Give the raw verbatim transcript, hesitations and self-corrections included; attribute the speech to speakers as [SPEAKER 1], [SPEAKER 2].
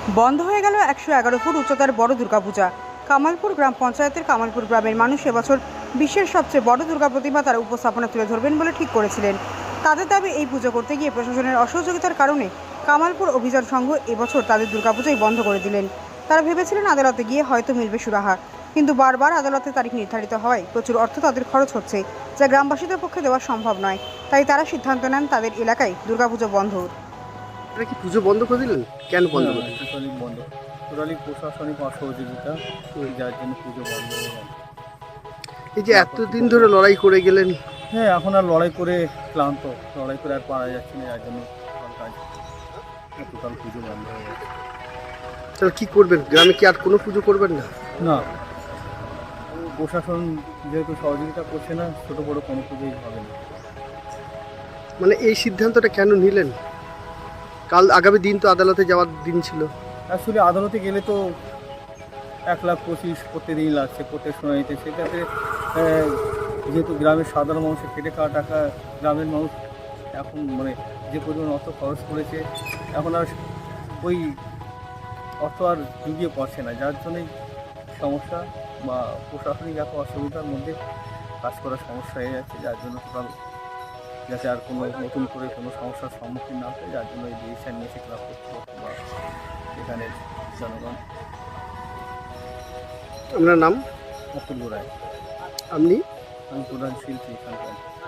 [SPEAKER 1] বন্ধ হয়ে গেল একশো এগারো ফুট উচ্চতার বড় দুর্গাপূজা। কামালপুর গ্রাম পঞ্চায়েতের কামালপুর গ্রামের মানুষ এবছর বিশ্বের সবচেয়ে বড় দুর্গা প্রতিমা তারা উপস্থাপনা তুলে ধরবেন বলে ঠিক করেছিলেন। তাদের দাবি, এই পুজো করতে গিয়ে প্রশাসনের অসহযোগিতার কারণে কামালপুর অভিযান সংঘ এবছর তাদের দুর্গাপূজাই বন্ধ করে দিলেন। তারা ভেবেছিলেন আদালতে গিয়ে হয়তো মিলবে সুরাহা, কিন্তু বারবার আদালতে তারিখ নির্ধারিত হওয়ায় প্রচুর অর্থ তাদের খরচ হচ্ছে, যা গ্রামবাসীদের পক্ষে দেওয়া সম্ভব নয়। তাই তারা সিদ্ধান্ত নেন তাদের এলাকায় দুর্গাপুজো বন্ধ।
[SPEAKER 2] এটা কি পুজো বন্ধ করে দিলেন? কেন বন্ধ
[SPEAKER 3] হ্যাঁ,
[SPEAKER 2] করে দিলেন?
[SPEAKER 3] টোটালি বন্ধ। টোটালি প্রশাসনিক অসহযোগিতা, যার জন্য পুজো বন্ধ হয়ে গেল।
[SPEAKER 2] এই যে এতদিন ধরে লড়াই করে গেলেন,
[SPEAKER 3] হ্যাঁ, এখন আর লড়াই করে ক্লান্ত, লড়াই করে আর পারা যাচ্ছে না, যার জন্য টোটাল কাজ টোটাল পুজো বন্ধ হয়ে গেছে।
[SPEAKER 2] তাহলে কি করবেন? গ্রামে কি আর কোনো পুজো করবেন না?
[SPEAKER 3] না, প্রশাসন যেহেতু সহযোগিতা করছে না, ছোটো বড়ো কোনো পুজোই হবে না।
[SPEAKER 2] মানে এই সিদ্ধান্তটা কেন নিলেন? কাল আগামী দিন তো আদালতে যাওয়ার দিন ছিল।
[SPEAKER 3] অ্যাকচুয়ালি আদালতে গেলে তো এক লাখ পঁচিশ প্রত্যেকদিন লাগছে, প্রত্যেক শুনানিতে। সেক্ষেত্রে আহ, যেহেতু গ্রামের সাধারণ মানুষের খেটে খাওয়া টাকা, গ্রামের মানুষ এখন মানে যে পরিমাণ অর্থ খরচ করেছে, এখন আর ওই অর্থ আর জুগিয়ে পড়ছে না, যার জন্যই সমস্যা বা প্রশাসনিক এত অসুবিধার মধ্যে কাজ করার সমস্যা হয়ে যাচ্ছে, যার জন্য টোটাল যাতে আর কোনো নতুন করে কোনো সমস্যার সম্মুখীন না হয়, যার জন্য এই ডিসিশন নিয়েছে ক্লাব কর্তৃপক্ষ বা এখানের জনগণ।
[SPEAKER 2] আপনার নাম?
[SPEAKER 3] অপূর্ব রায়,
[SPEAKER 2] আপনি?
[SPEAKER 3] আমি প্রধান শিল্পী এখানকার।